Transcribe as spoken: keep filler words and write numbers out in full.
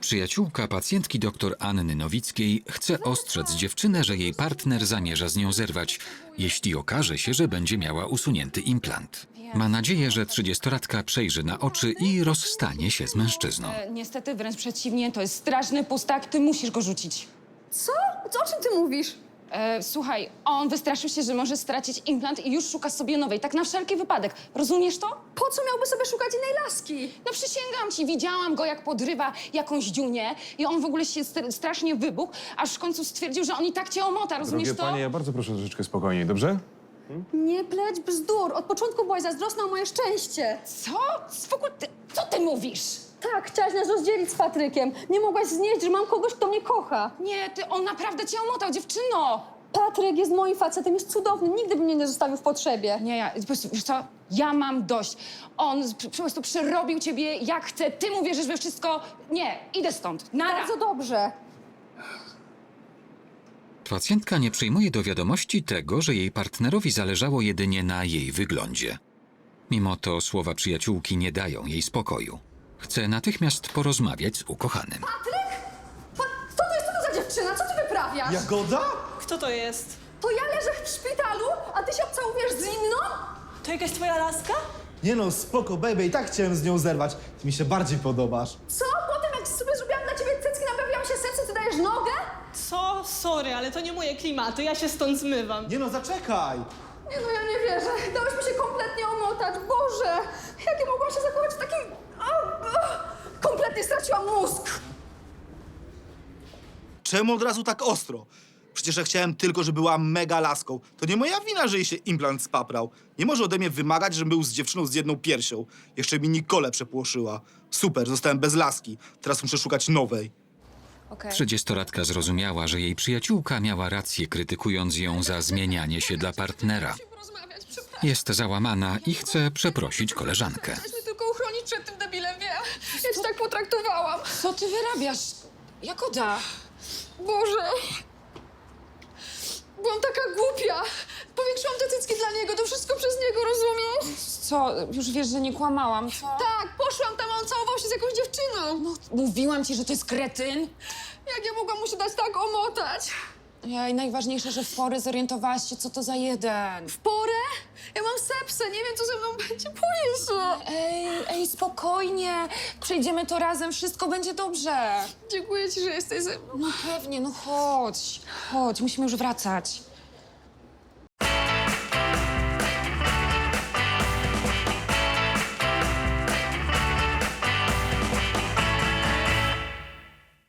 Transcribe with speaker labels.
Speaker 1: Przyjaciółka pacjentki dr Anny Nowickiej chce ostrzec dziewczynę, że jej partner zamierza z nią zerwać, jeśli okaże się, że będzie miała usunięty implant. Ma nadzieję, że trzydziestolatka przejrzy na oczy i rozstanie się z mężczyzną.
Speaker 2: E, niestety wręcz przeciwnie, to jest straszny pustak, ty musisz go rzucić.
Speaker 3: Co? O czym ty mówisz?
Speaker 2: E, słuchaj, on wystraszył się, że może stracić implant i już szuka sobie nowej, tak na wszelki wypadek. Rozumiesz to?
Speaker 3: Po co miałby sobie szukać innej laski?
Speaker 2: No przysięgam ci, widziałam go, jak podrywa jakąś dziunię i on w ogóle się st- strasznie wybuchł, aż w końcu stwierdził, że on i tak cię omota, rozumiesz
Speaker 4: Drogie
Speaker 2: to?
Speaker 4: panie, ja bardzo proszę troszeczkę spokojniej, dobrze?
Speaker 3: Nie pleć bzdur. Od początku byłaś zazdrosna o moje szczęście.
Speaker 2: Co? W ogóle ty, co ty mówisz?
Speaker 3: Tak, chciałaś nas rozdzielić z Patrykiem. Nie mogłaś znieść, że mam kogoś, kto mnie kocha.
Speaker 2: Nie, ty, on naprawdę cię omotał, dziewczyno!
Speaker 3: Patryk jest moim facetem, jest cudowny. Nigdy by mnie nie zostawił w potrzebie.
Speaker 2: Nie, ja, po prostu, wiesz co, ja mam dość. On z- po prostu przerobił ciebie jak chce, ty mu wierzysz we wszystko. Nie, idę stąd, nara!
Speaker 3: Bardzo dobrze.
Speaker 1: Pacjentka nie przyjmuje do wiadomości tego, że jej partnerowi zależało jedynie na jej wyglądzie. Mimo to słowa przyjaciółki nie dają jej spokoju. Chce natychmiast porozmawiać z ukochanym.
Speaker 3: Patryk? Pa... Co to jest? Co to za dziewczyna? Co ty wyprawiasz?
Speaker 5: Jagoda?
Speaker 6: Kto to jest?
Speaker 3: To ja leżę w szpitalu, a ty się obcałujesz z inną?
Speaker 6: To jakaś twoja laska?
Speaker 5: Nie no, spoko, baby, i tak chciałem z nią zerwać. Ty mi się bardziej podobasz.
Speaker 3: Co? Po tym, jak sobie zrobiłam dla ciebie cycki, naprawiłam się serce, ty dajesz nogę?
Speaker 6: Co? Sorry, ale to nie moje klimaty, ja się stąd zmywam.
Speaker 5: Nie no, zaczekaj!
Speaker 3: Nie no, ja nie wierzę. Dałeś mi się kompletnie omotać. Boże, jak ja mogłam się zachować w takim... O, o, kompletnie straciłam mózg.
Speaker 7: Czemu od razu tak ostro? Przecież ja chciałem tylko, żeby była mega laską. To nie moja wina, że jej się implant spaprał. Nie może ode mnie wymagać, żebym był z dziewczyną z jedną piersią. Jeszcze mi Nikolę przepłoszyła. Super, zostałem bez laski. Teraz muszę szukać nowej.
Speaker 2: Okej.
Speaker 1: Trzydziestolatka zrozumiała, że jej przyjaciółka miała rację, krytykując ją za zmienianie się dla partnera.
Speaker 3: Porozmawiać, przepraszam.
Speaker 1: Jest załamana i chce przeprosić koleżankę.
Speaker 3: Chciałaś mnie tylko uchronić przed tym debilem, wiem. Ja cię tak potraktowałam.
Speaker 2: Co ty wyrabiasz? Jakoda?
Speaker 3: Boże. Byłam taka głupia. Powiększyłam te cycki dla niego, to wszystko przez niego, rozumiesz?
Speaker 2: Co? Już wiesz, że nie kłamałam, co?
Speaker 3: Tak, poszłam tam, a on całował się z jakąś dziewczyną. No,
Speaker 2: Mówiłam ci, że to jest kretyn.
Speaker 3: jak ja mogłam mu się dać tak omotać?
Speaker 2: Ja, i najważniejsze, że w porę zorientowałaś się, co to za jeden.
Speaker 3: W porę? Ja mam sepsę, nie wiem, co ze mną będzie, boję się.
Speaker 2: Ej, ej, spokojnie. Przejdziemy to razem, wszystko będzie dobrze.
Speaker 3: Dziękuję ci, że jesteś ze mną.
Speaker 2: No pewnie, no chodź. Chodź, musimy już wracać.